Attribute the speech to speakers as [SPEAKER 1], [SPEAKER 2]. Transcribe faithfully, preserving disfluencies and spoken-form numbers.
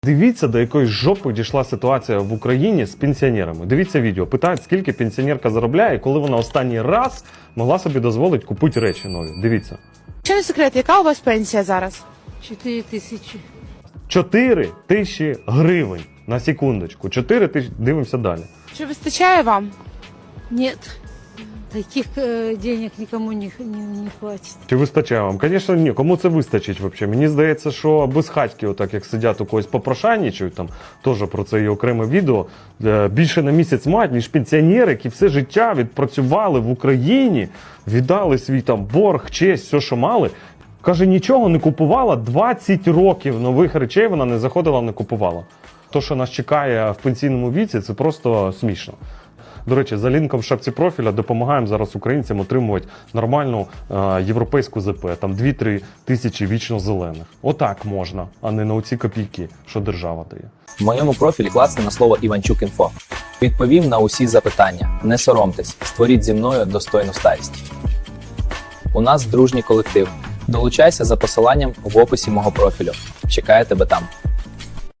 [SPEAKER 1] Дивіться, до якої жопи дійшла ситуація в Україні з пенсіонерами. Дивіться відео. Питають, скільки пенсіонерка заробляє, і коли вона останній раз могла собі дозволити купити речі нові. Дивіться.
[SPEAKER 2] Чи не секрет, яка у вас пенсія зараз?
[SPEAKER 3] Чотири тисячі.
[SPEAKER 1] чотири тисячі гривень. На секундочку. чотири тисячі. Дивимося далі.
[SPEAKER 2] Чи вистачає вам?
[SPEAKER 3] Нет, таких э, денег никому не, не, не хватит.
[SPEAKER 1] Чи вистачає вам? Звісно, ні. Кому це вистачить взагалі? Мені здається, що безхатьки, отак як сидять у когось попрошайничають, там теж про це є окреме відео, більше на місяць мають, ніж пенсіонери, які все життя відпрацювали в Україні, віддали свій там борг, честь, все, що мали. Каже, нічого не купувала, двадцять років нових речей вона не заходила, не купувала. То, що нас чекає в пенсійному віці, це просто смішно. До речі, за лінком в шапці профіля допомагаємо зараз українцям отримувати нормальну е, європейську зе пе. Там дві-три тисячі вічно зелених. Отак можна, а не на оці копійки, що держава дає.
[SPEAKER 4] В моєму профілі класне на слово Іванчук.Інфо. Відповім на усі запитання. Не соромтесь, створіть зі мною достойну старість. У нас дружній колектив. Долучайся за посиланням в описі мого профілю. Чекаю тебе там.